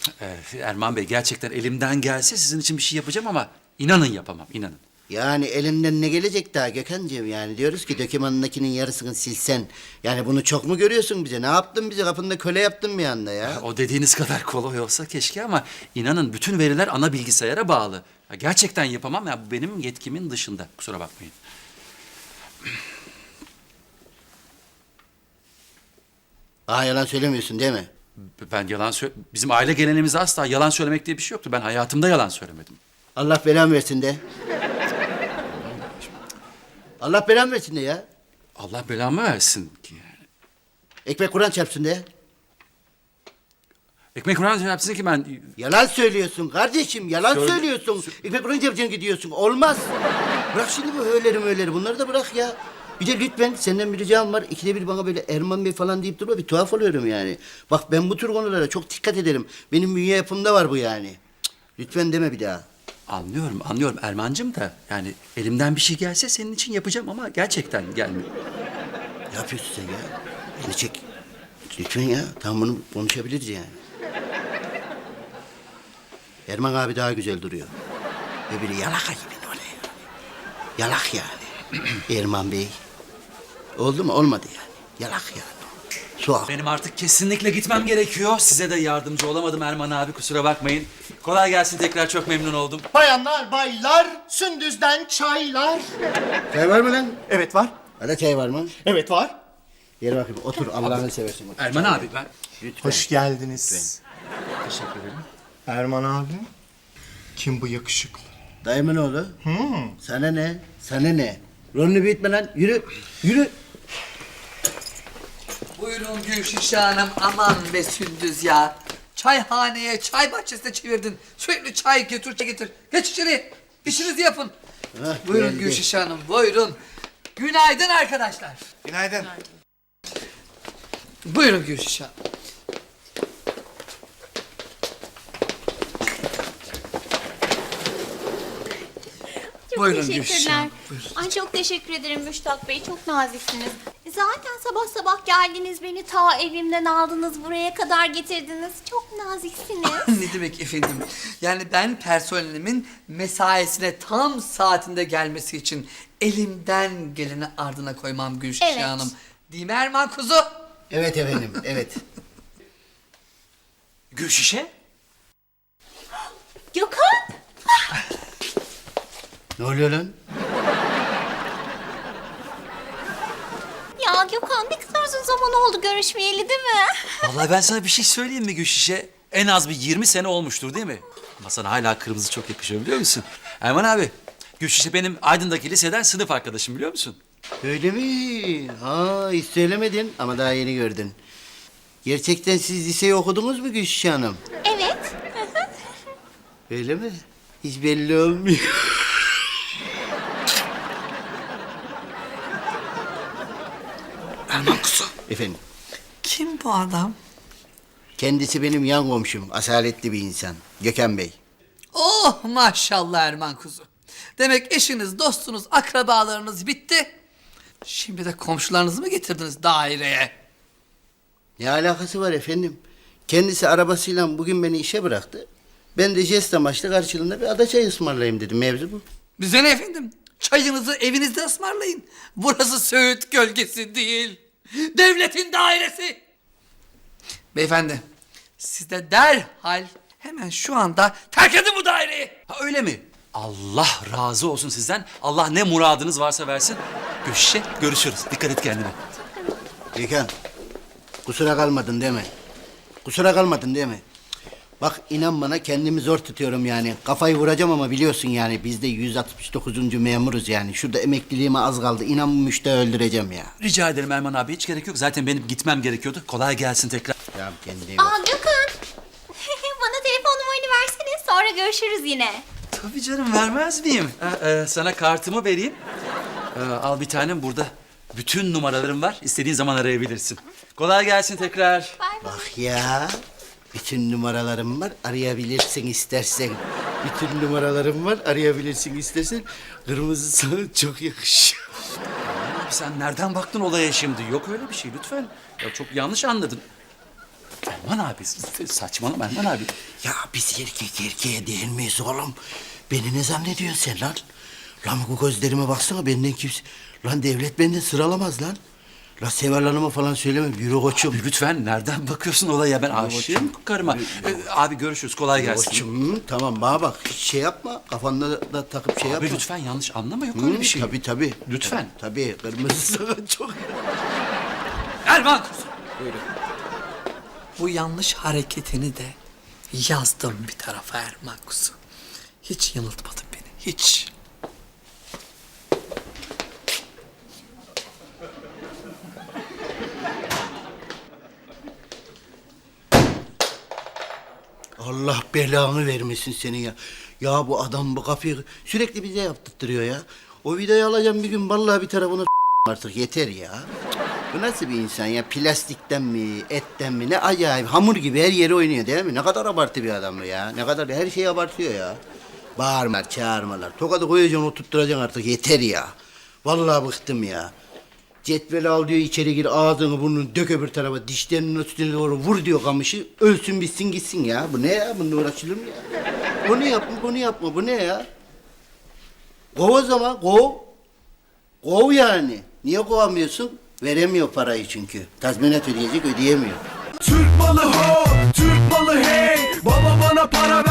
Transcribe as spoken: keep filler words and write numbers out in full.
Ee, Erman Bey, gerçekten elimden gelse sizin için bir şey yapacağım ama inanın yapamam, inanın. Yani elinden ne gelecek daha Gökhan'cığım yani diyoruz ki dökümandakinin yarısını silsen. Yani bunu çok mu görüyorsun bize? Ne yaptın bize? Kapında köle yaptın bir anda ya. O dediğiniz kadar kolay olsa keşke ama inanın bütün veriler ana bilgisayara bağlı. Ya gerçekten yapamam ya, bu benim yetkimin dışında. Kusura bakmayın. Aa yalan söylemiyorsun değil mi? Ben yalan sö... Bizim aile geleneğimizde asla yalan söylemek diye bir şey yoktu. Ben hayatımda yalan söylemedim. Allah belamı versin de. Allah belamı versin de ya. Allah belamı versin. Ekmek Kur'an çarpsın de. Ekmek Kur'an yapsın ki ben... Yalan söylüyorsun kardeşim, yalan Söyle- söylüyorsun. Ekmek Kur'an çarpsın gidiyorsun, olmaz. Bırak şimdi bu höyleri möyleri, bunları da bırak ya. Bir de lütfen senden bir ricam var. İkide bir bana böyle Erman Bey falan deyip durma, bir tuhaf oluyorum yani. Bak ben bu tür konulara çok dikkat ederim. Benim bünye yapımda var bu yani. Cık, lütfen deme bir daha. Anlıyorum, anlıyorum Erman'cığım da yani elimden bir şey gelse senin için yapacağım ama gerçekten gelmiyor. Ne yapıyorsun sen ya? Beni çek. Lütfen ya, tamam bunu konuşabiliriz yani. Erman abi daha güzel duruyor. Ve biri yalaka gibi öyle yani. Yalak yani. Erman Bey. Oldu mu? Olmadı yani. Yalak yani. Suak. Benim artık kesinlikle gitmem gerekiyor. Size de yardımcı olamadım Erman abi, kusura bakmayın. Kolay gelsin, tekrar çok memnun oldum. Bayanlar, baylar, Sündüz'den çaylar. Çay var mı lan? Evet var. Hadi çay var mı? Evet var. Gel bakayım, otur Allah'ını seversen. Otur. Erman abi ben... Lütfen. Hoş geldiniz. Teşekkür ederim. Erman abi. Kim bu yakışıklı? Dayımın oğlu. Sana ne? Sana ne? Rolünü büyütme lan. Yürü. Yürü. Buyurun Gülşişe Hanım, aman be Sündüz ya. Çayhaneye, çay bahçesine çevirdin. Sürekli çay götür, çay getir. Geç içeri, işinizi yapın. Hah, Buyurun geldi. Gülşişe Hanım, buyurun. Günaydın arkadaşlar. Günaydın. Buyurun Gülşişe Hanım. Çok Buyurun Gülşah. teşekkürler. Ay çok teşekkür ederim Müştak Bey. Çok naziksiniz. Zaten sabah sabah geldiniz beni ta evimden aldınız buraya kadar getirdiniz. Çok naziksiniz. Ne demek efendim? Yani ben personelimin mesaisine tam saatinde gelmesi için elimden geleni ardına koymam Gülşişe Evet. Hanım. Değil mi Erman kuzu? Evet efendim, evet. Gülşişe? Gökhan! Ne oluyor lan? Ya Gökhan ne kadar uzun zaman oldu görüşmeyeli değil mi? Vallahi ben sana bir şey söyleyeyim mi Gülşişe? En az bir yirmi sene olmuştur değil mi? Ama sana hala kırmızı çok yakışıyor biliyor musun? Erman abi, Gülşişe benim Aydın'daki liseden sınıf arkadaşım biliyor musun? Öyle mi? Ha, hiç söylemedin ama daha yeni gördün. Gerçekten siz liseyi okudunuz mu Gülşah Hanım? Evet. Öyle mi? Hiç belli olmuyor. Erman kuzu. Efendim, Kim bu adam? kendisi benim yan komşum, asaletli bir insan. Gökhan Bey. Oh maşallah Erman kuzu. Demek eşiniz, dostunuz, akrabalarınız bitti. Şimdi de komşularınızı mı getirdiniz daireye? Ne alakası var efendim? Kendisi arabasıyla bugün beni işe bıraktı. Ben de jest amaçlı karşılığında bir ada çayı ısmarlayayım dedim. Mevzu bu. Bize ne efendim? Çayınızı evinizde ısmarlayın. Burası Söğüt gölgesi değil. Devletin dairesi. Beyefendi, siz de derhal hemen şu anda terk edin bu daireyi. Ha öyle mi? Allah razı olsun sizden. Allah ne muradınız varsa versin. Gülşişe görüşürüz. Dikkat et kendine. Gökhan, kusura kalmadın değil mi? Kusura kalmadın değil mi? Bak inan bana kendimi zor tutuyorum yani. Kafayı vuracağım ama biliyorsun yani biz de yüz altmış dokuzuncu memuruz yani. Şurada emekliliğime az kaldı. İnan bu müşteri öldüreceğim ya. Rica ederim Erman abi, hiç gerek yok. Zaten benim gitmem gerekiyordu. Kolay gelsin tekrar. Ya kendine iyi bak. Aa Gökhan. Bana telefon numaranı versene sonra görüşürüz yine. Tabii canım, vermez miyim? Ha, e, sana kartımı vereyim. E, al bir tanem, burada bütün numaralarım var. İstediğin zaman arayabilirsin. Kolay gelsin tekrar. Bay bay. Bak ya. Bütün numaralarım var. Arayabilirsin istersen. Bütün numaralarım var. Arayabilirsin istersen. Kırmızı sana çok yakışıyor. Abi sen nereden baktın olaya şimdi? Yok öyle bir şey lütfen. Ya çok yanlış anladın. Erman abi saçmalama Erman abi. Ya biz erkek erkeğe değil miyiz oğlum? Beni ne zannediyorsun sen lan? Lan bu gözlerime baksana benden kimse... Lan devlet benden sıralamaz lan. La Seval Hanım'a falan söyleme. Yürü koçum. Abi lütfen nereden bakıyorsun olaya? Ben aşığım karıma. Ee, abi görüşürüz kolay gelsin. Koçum hı, tamam bana bak. Hiç şey yapma. Kafanda da takıp şey Abi yapma. lütfen yanlış anlama yok Hı, öyle bir şey. Tabii tabii. Lütfen. Tabii. Kırmızı sakın çok... Erman! Bu yanlış hareketini de yazdım bir tarafa Erman kuzu. Hiç yanıltmadın beni, hiç. Allah belanı vermesin senin ya. Ya bu adam bu kafayı sürekli bize yaptırtırıyor ya. O vidayı alacağım bir gün vallahi bir tarafına artık yeter ya. Bu nasıl bir insan ya? Plastikten mi, etten mi? Ne acayip hamur gibi her yere oynuyor değil mi? Ne kadar abartı bir adam bu ya. Ne kadar her şeyi abartıyor ya. Bağırmalar, çağırmalar. Tokadı koyacaksın, oturtturacaksın artık yeter ya. Vallahi bıktım ya. Cetveli al diyor içeri gir ağzını burnunu dök öbür tarafa dişlerinin üstüne doğru vur diyor kamışı. Ölsün bitsin gitsin ya. Bu ne ya? Bununla uğraşılır mı ya? Bunu yapma bunu yapma bu ne ya? Kov o zaman kov. Kov yani. Niye kovamıyorsun? Veremiyor parayı çünkü. Tazminat ödeyecek ödeyemiyor. Türk malı ho, Türk malı hey. Baba bana para